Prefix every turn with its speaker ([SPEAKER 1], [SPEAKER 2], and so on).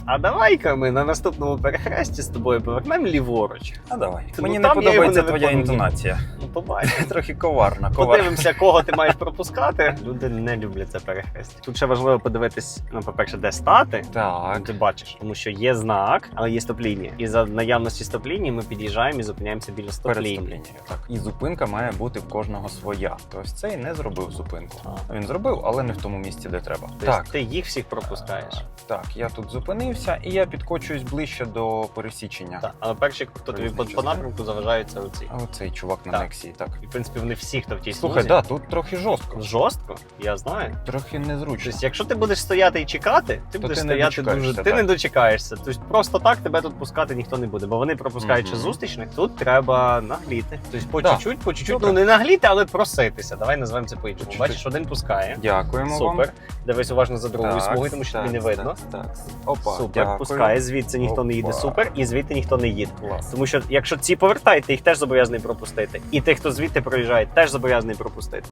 [SPEAKER 1] А давай-ка ми на наступному перехресті з тобою повернемо ліворуч.
[SPEAKER 2] А давай.
[SPEAKER 1] Ну,
[SPEAKER 2] Мені
[SPEAKER 1] там
[SPEAKER 2] не
[SPEAKER 1] я його
[SPEAKER 2] подобається
[SPEAKER 1] не
[SPEAKER 2] твоя
[SPEAKER 1] виконую.
[SPEAKER 2] інтонація.
[SPEAKER 1] Ну, побачимо.
[SPEAKER 2] Трохи коварна.
[SPEAKER 1] Подивимося, кого ти маєш пропускати. Люди не люблять це перехрестя. Тут ще важливо подивитись, ну, по-перше, де стати.
[SPEAKER 2] Так.
[SPEAKER 1] Ти бачиш, тому що є знак, але є стоп-лінія. І за наявності стоп-лінії ми під'їжджаємо і зупиняємося біля
[SPEAKER 2] Перед
[SPEAKER 1] стоп-лінії.
[SPEAKER 2] стоп-лінією. Так. І зупинка має бути в кожного своя. Тобто цей не зробив зупинку.
[SPEAKER 1] А.
[SPEAKER 2] Він зробив, але не в тому місці, де треба.
[SPEAKER 1] Тобто ти їх всіх пропускаєш.
[SPEAKER 2] Так, я тут зупинився і я підкочуюсь ближче до пересічення.
[SPEAKER 1] Так, але перші, хто тобі по напрямку заважаються оці.
[SPEAKER 2] А оцей чувак на
[SPEAKER 1] Так.
[SPEAKER 2] Нексії, так.
[SPEAKER 1] І, в принципі, вони всі, хто в тій
[SPEAKER 2] Слухай,
[SPEAKER 1] смузі.
[SPEAKER 2] да, тут трохи жорстко.
[SPEAKER 1] Жорстко, я знаю.
[SPEAKER 2] Трохи незручно.
[SPEAKER 1] Тобто, якщо ти будеш стояти і чекати, ти будеш
[SPEAKER 2] ти не
[SPEAKER 1] стояти
[SPEAKER 2] дочекаєшся,
[SPEAKER 1] дуже. Ти
[SPEAKER 2] так.
[SPEAKER 1] не дочекаєшся. Тобто просто так тебе тут пускати ніхто не буде, бо вони пропускають ще
[SPEAKER 2] Мгм.
[SPEAKER 1] зустрічних. Тут треба нагліти. Тобто по
[SPEAKER 2] Да.
[SPEAKER 1] чуть-чуть, по чуть-чуть.
[SPEAKER 2] Добре.
[SPEAKER 1] Ну не нагліти, але проситися. Давай назвемо це по-іншому.
[SPEAKER 2] Чуть-чуть.
[SPEAKER 1] Бачиш, один пускає.
[SPEAKER 2] Дякуємо вам.
[SPEAKER 1] Супер. Дивись уважно за другою
[SPEAKER 2] Так,
[SPEAKER 1] смугою, тому що тобі не видно.
[SPEAKER 2] Так. Опа,
[SPEAKER 1] Супер,
[SPEAKER 2] дякую.
[SPEAKER 1] пускає, звідси ніхто не їде,
[SPEAKER 2] Опа.
[SPEAKER 1] супер, і звідти ніхто не їде.
[SPEAKER 2] Клас.
[SPEAKER 1] Тому що якщо ці повертають, ти їх теж зобов'язаний пропустити. І тих, хто звідти проїжджає, теж зобов'язаний пропустити.